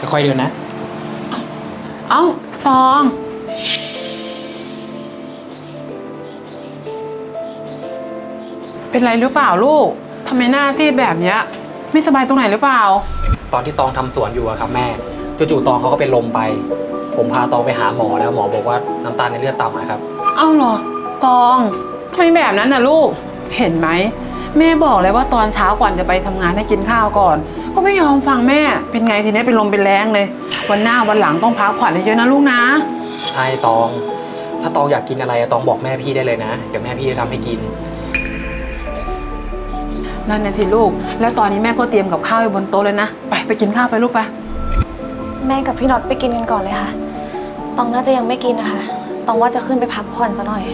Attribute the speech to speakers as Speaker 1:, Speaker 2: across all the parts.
Speaker 1: ค่อยๆเดินนะ
Speaker 2: เอ้าตองเป็นไรหรือเปล่าลูกทำไมหน้าซีดแบบเนี้ยไม่สบายตรงไหนหรือเปล่า
Speaker 1: ตอนที่ตองทำสวนอยู่อะครับแม่จู่ๆตองเขาก็เป็นลมไปผมพาตองไปหาหมอแล้วหมอบอกว่าน้ำตาลในเลือดต่ำนะครับ
Speaker 2: เอ้าเหรอตองทำไมแบบนั้นน่ะลูกเห็นไหมแม่บอกเลยว่าตอนเช้าก่อนจะไปทำงานให้กินข้าวก่อนก็ไม่ยอมฟังแม่เป็นไงทีนี้เป็นลมเป็นแรงเลยวันหน้าวันหลังต้องพักผ่อนเยอะๆนะลูกนะ
Speaker 1: ใช่ตองถ้าตองอยากกินอะไรตองบอกแม่พี่ได้เลยนะเดี๋ยวแม่พี่จะทำให้กิน
Speaker 2: นั่นน่ะสิลูกแล้วตอนนี้แม่ก็เตรียมกับข้าวไว้บนโต๊ะเลยนะไปกินข้าวไปลูกไป
Speaker 3: แม่กับพี่น็อตไปกินกันก่อนเลยค่ะตองน่าจะยังไม่กินนะคะตองว่าจะขึ้นไปพักผ่อนซะหน่อย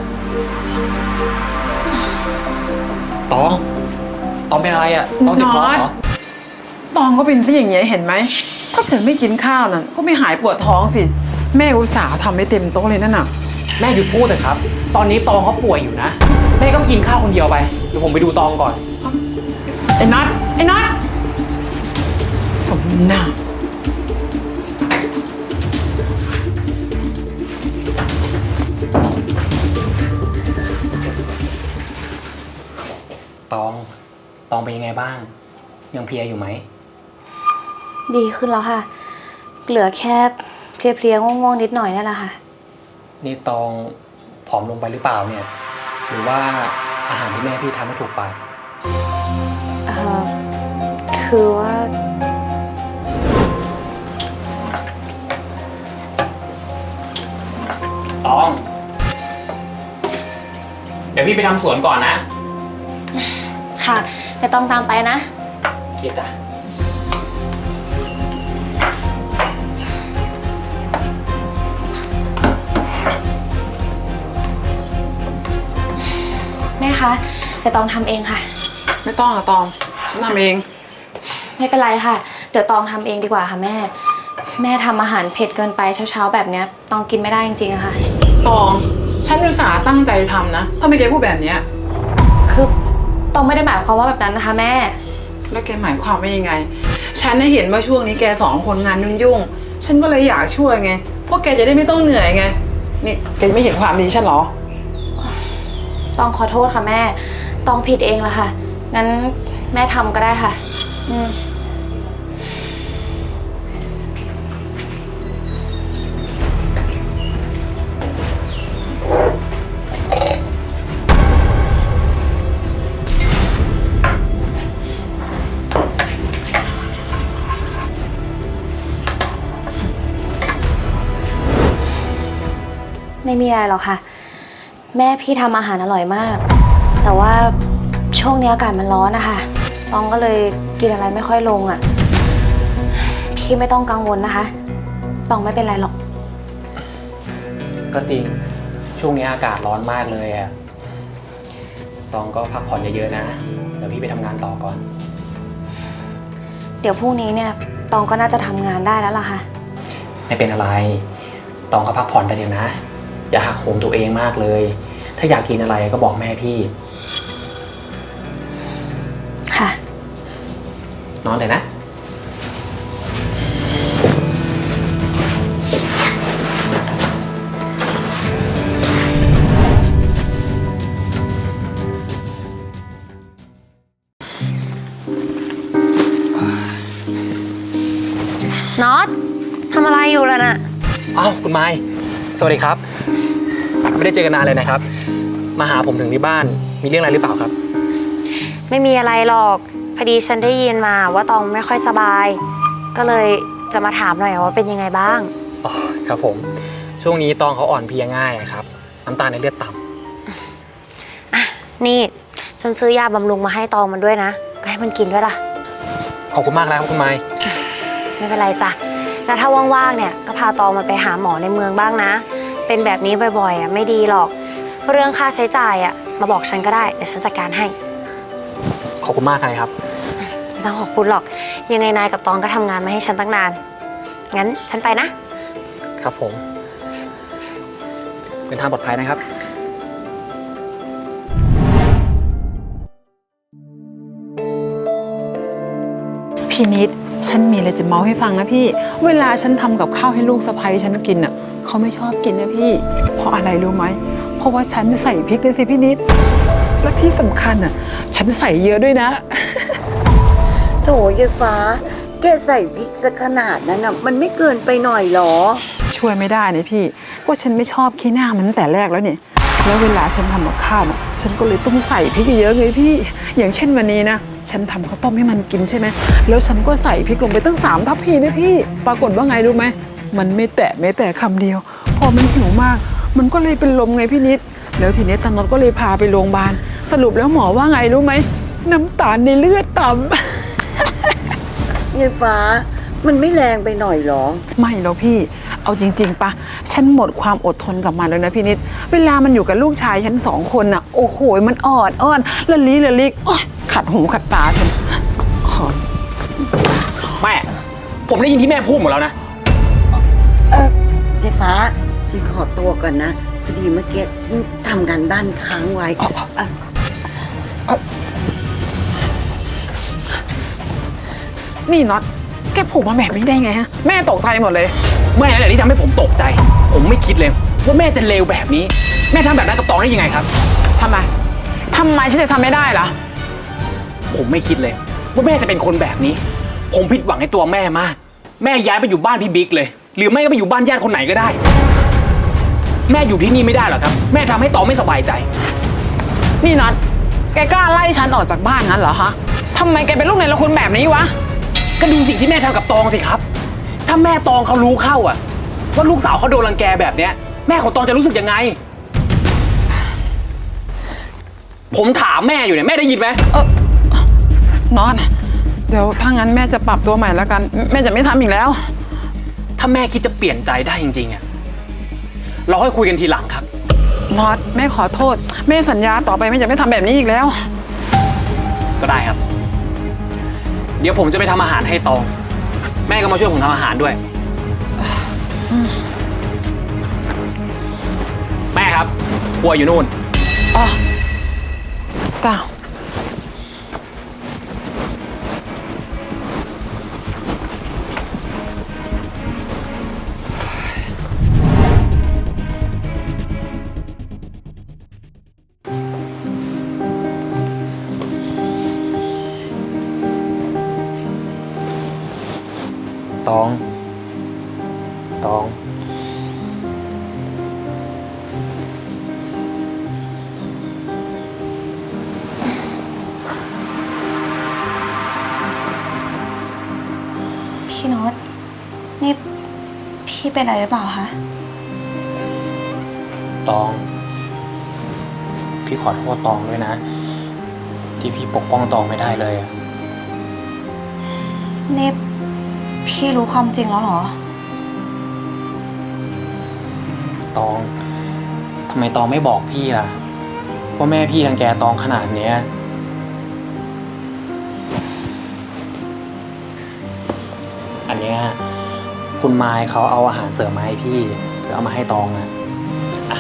Speaker 1: ตองเป็นอะไรอะตองเจ็บท้องเหรอ
Speaker 2: ตองก็เป็นซะอย่างเงี้ยเห็นไหมถ้าเกิดไม่กินข้าวนั่นก็ไม่หายปวดท้องสิแม่อุตส่าห์ทำให้เต็มโต๊ะเลยนั่นน่ะ
Speaker 1: แม่หยุดพูดเถอะครับตอนนี้ตองเขาป่วยอยู่นะแม่ก็กินข้าวคนเดียวไปเดี๋ยวผมไปดูตองก่อน
Speaker 2: ไอ้นัทสมหน้า
Speaker 1: ตองเป็นยังไงบ้างยังเพลียอยู่ไหม
Speaker 3: ดีขึ้นแล้วค่ะเหลือแค่เพลียๆง่วงๆนิดหน่อยนั่นแหละค่ะ
Speaker 1: นี่ตองผอมลงไปหรือเปล่าเนี่ยหรือว่าอาหารที่แม่พี่ทำไม่ถูกปาก
Speaker 3: คือว่า
Speaker 1: ตองเดี๋ยวพี่ไปทำสวนก่อนนะ
Speaker 3: ค่ะเดี๋ยวต้องตามไปนะ
Speaker 1: เกียรติจ้ะ
Speaker 3: แม่คะเดี๋ยวตองทำเองค่ะ
Speaker 2: ไม่ต้องอะตองฉันทำเอง
Speaker 3: ไม่เป็นไรค่ะเดี๋ยวตองทำเองดีกว่าค่ะแม่ทำอาหารเผ็ดเกินไปเช้าๆแบบเนี้ยตองกินไม่ได้จริงๆอะค่ะ
Speaker 2: ตองฉันอุตส่าห์ตั้งใจทำนะถ้าไม่แกพูดแบบเนี้ย
Speaker 3: คือตองไม่ได้หมายความว่าแบบนั้นนะคะแม่
Speaker 2: แล้วแกหมายความว่ายังไงฉันได้เห็นว่าช่วงนี้แกสองคนงานยุ่งๆฉันก็เลยอยากช่วยไงพวกแกจะได้ไม่ต้องเหนื่อยไงนี่แกไม่เห็นความดีฉันหรอ
Speaker 3: ตองขอโทษค่ะแม่ตองผิดเองละค่ะงั้นแม่ทำก็ได้ค่ะไม่มีอะไรหรอกค่ะแม่พี่ทำอาหารอร่อยมากแต่ว่าช่วงนี้อากาศมันร้อนนะคะตองก็เลยกินอะไรไม่ค่อยลงอ่ะพี่ไม่ต้องกังวลนะคะตองไม่เป็นไรหรอก
Speaker 1: ก็จริงช่วงนี้อากาศร้อนมากเลยอะตองก็พักผ่อนเยอะๆนะเดี๋ยวพี่ไปทำงานต่อก่อน
Speaker 3: เดี๋ยวพรุ่งนี้เนี่ยตองก็น่าจะทำงานได้แล้วล่ะค่ะ
Speaker 1: ไม่เป็นอะไรตองก็พักผ่อนไปเถอะนะอย่าหักโหมตัวเองมากเลยถ้าอยากกินอะไรก็บอกแม่พี่
Speaker 3: ค่ะ
Speaker 1: นอนเลยนะ
Speaker 3: น็อตทำอะไรอยู่ล่ะน่ะ
Speaker 1: อ้าวคุณไม้สวัสดีครับไม่ได้เจอกันนานเลยนะครับมาหาผมถึงที่บ้านมีเรื่องอะไรหรือเปล่าครับ
Speaker 4: ไม่มีอะไรหรอกพอดีฉันได้ยินมาว่าตองไม่ค่อยสบายก็เลยจะมาถามหน่อยว่าเป็นยังไงบ้าง
Speaker 1: อ๋อครับผมช่วงนี้ตองเขาอ่อนเพลียง่ายครับน้ำตาลในเลือดต่
Speaker 4: ำนี่ฉันซื้อยาบำรุงมาให้ตองมันด้วยนะก็ให้มันกินด้วยล่ะ
Speaker 1: ขอบคุณมากแล้วคุณไม้
Speaker 4: ไม่เป็นไรจ้ะแล้วถ้าว่างๆเนี่ยก็พาตองมันไปหาหมอในเมืองบ้างนะเป็นแบบนี้บ่อยๆไม่ดีหรอกเรื่องค่าใช้จ่ายมาบอกฉันก็ได้เดี๋ยวฉันจัดการให้
Speaker 1: ขอบคุณมากครับ
Speaker 4: ไม่ต้องขอบคุณหรอกยังไงนายกับตองก็ทำงานมาให้ฉันตั้งนานงั้นฉันไปนะครับ
Speaker 1: ผมเป็นทางปลอดภัยนะครับ
Speaker 2: พี่นิดฉันมีอะไรจะเมาให้ฟังนะพี่ เวลาฉันทำกับข้าวให้ลูกสะใภ้ฉันกินอ่ะเขาไม่ชอบกินนะพี่ เพราะอะไรรู้ไหม เพราะว่าฉันใส่พริกเลยสิพี่นิด และที่สำคัญอ่ะ ฉันใส่เยอะด้วยนะ
Speaker 5: โถยายฟ้า แกใส่พริกซะขนาดนั้นน่ะมันไม่เกินไปหน่อยหรอ
Speaker 2: ช่วยไม่ได้นะพี่ว่าฉันไม่ชอบขี้หน้ามันตั้งแต่แรกแล้วเนี่ยแล้วเวลาฉันทำกับข้าวน่ะฉันก็เลยต้องใส่พริกเยอะๆไงพี่ อย่างเช่นวันนี้นะฉันทำข้าวต้มให้มันกินใช่ไหมแล้วฉันก็ใส่พริกลงไปตั้ง3 ทัพพีนะพี่ปรากฏว่าไงรู้ไหมมันไม่แตะคำเดียว พอมันหิวมาก มันก็เลยเป็นลมไงพี่นิดแล้วทีนี้ตาน็อตก็เลยพาไปโรงพยาบาลสรุปแล้วหมอว่าไงรู้ไหมน้ำตาลในเลือดต่ำ
Speaker 5: ยายฟ้า มันไม่แรงไปหน่อยหรอ
Speaker 2: ไม่หรอกพี่ เอาจริงๆปะฉันหมดความอดทนกับมันแล้วนะพี่นิด เวลามันอยู่กับลูกชายฉัน2 คนน่ะ โอ้โห มันอ่อนอ้อนละลิกโอ๊ยขัดหูขัดตาฉันขอ
Speaker 1: แม่ ผมได้ยินที่แม่พูดหมดแล้วนะ
Speaker 5: ยายฟ้า ฉันขอตัวก่อนนะ พอดีเมื่อกี้ฉันทำงานบ้านค้างไว้อ่ะ
Speaker 2: นี่น็อต แกผูกมาแบบนี้ได้ไงฮะ แม่ตกใจหมดเลย
Speaker 1: แม่นั่นแหละที่ทำให้ผมตกใจ ผมไม่คิดเลยว่าแม่จะเลวแบบนี้ แม่ทำแบบนั้นกับตองได้ยังไงครับ
Speaker 2: ทำไมฉันจะทำไม่ได้ล่ะ
Speaker 1: ผมไม่คิดเลยว่าแม่จะเป็นคนแบบนี้ ผมผิดหวังในตัวแม่มาก แม่ย้ายไปอยู่บ้านพี่บิ๊กเลย หรือไม่ก็ไปอยู่บ้านญาติคนไหนก็ได้ แม่อยู่ที่นี่ไม่ได้หรอครับ แม่ทำให้ตองไม่สบายใจ
Speaker 2: นี่น็อต แกกล้าไล่ฉันออกจากบ้านงั้นเหรอฮะทำไมแกเป็นลูกในละคุณแบบนี้วะ
Speaker 1: ก็ดูสิ่งที่แม่ทำกับตองสิครับ ถ้าแม่ตองเขารู้เข้าอะว่าลูกสาวเขาโดนรังแกแบบเนี้ย แม่ของตองจะรู้สึกยังไง ผมถามแม่อยู่เนี่ยแม่ได้ยินไหม
Speaker 2: น็อต เดี๋ยวถ้างั้นแม่จะปรับตัวใหม่แล้วกัน แม่จะไม่ทำอีกแล้ว
Speaker 1: ถ้าแม่คิดจะเปลี่ยนใจได้จริงๆอะเราค่อยคุยกันทีหลังครับ
Speaker 2: น็อตแม่ขอโทษ แม่สัญญาต่อไปแม่จะไม่ทำแบบนี้อีกแล้ว
Speaker 1: ก็ได้ครับ เดี๋ยวผมจะไปทำอาหารให้ตอง แม่ก็มาช่วยผมทำอาหารด้วย แม่ครับครัวอยู่นู่น
Speaker 2: อ๋อจ้า
Speaker 1: ตอง
Speaker 3: พี่โน็อตนี่พี่เป็นอะไรหรือเปล่าคะ
Speaker 1: ตอง พี่ขอโทษตองด้วยนะ ที่พี่ปกป้องตองไม่ได้เลยอะ
Speaker 3: นี่พี่รู้ความจริงแล้วเหรอ
Speaker 1: ตอง ทำไมตองไม่บอกพี่ล่ะ ว่าแม่พี่รังแกตองขนาดเนี้ย อันเนี้ยคุณไมค์เขาเอาอาหารเสริมมาให้พี่แล้วเอามาให้ตองอะอ่ะ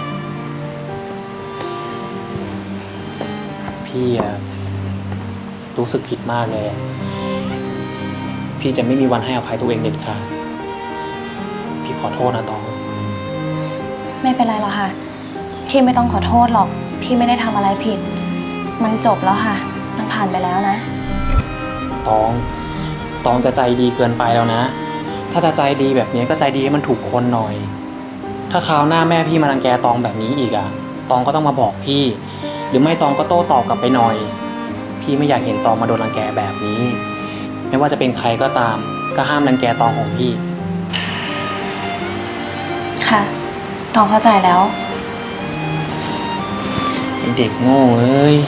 Speaker 1: พี่อะรู้สึกผิดมากเลยอะพี่จะไม่มีวันให้อภัยตัวเองเด็ดขาดพี่ขอโทษนะตอง
Speaker 3: ไม่เป็นไรหรอกค่ะ พี่ไม่ต้องขอโทษหรอก พี่ไม่ได้ทำอะไรผิด มันจบแล้วค่ะ มันผ่านไปแล้วนะ
Speaker 1: ตองจะใจดีเกินไปแล้วนะ ถ้าจะใจดีแบบนี้ก็ใจดีให้มันถูกคนหน่อย ถ้าคราวหน้าแม่พี่มารังแกตองแบบนี้อีกอะตองก็ต้องมาบอกพี่ หรือไม่ตองก็โต้ตอบกลับไปหน่อย พี่ไม่อยากเห็นตองมาโดนรังแกแบบนี้ ไม่ว่าจะเป็นใครก็ตาม ก็ห้ามรังแกตองของพี่
Speaker 3: ค่ะน้องเข้าใจแล้ว
Speaker 1: เด็กโง่เอ้ย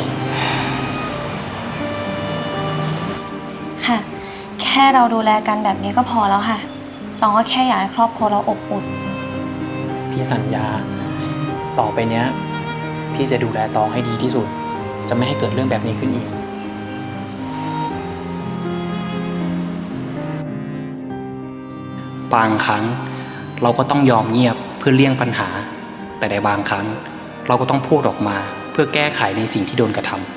Speaker 3: ค่ะ แค่เราดูแลกันแบบนี้ก็พอแล้วค่ะน้องก็แค่อยากให้ครอบครัวเราอบอุ่น
Speaker 1: พี่สัญญา ต่อไปเนี้ย พี่จะดูแลตองให้ดีที่สุด จะไม่ให้เกิดเรื่องแบบนี้ขึ้นอีก บางครั้งเราก็ต้องยอมเงียบเพื่อเลี่ยงปัญหา แต่ในบางครั้งเราก็ต้องพูดออกมาเพื่อแก้ไขในสิ่งที่โดนกระทำ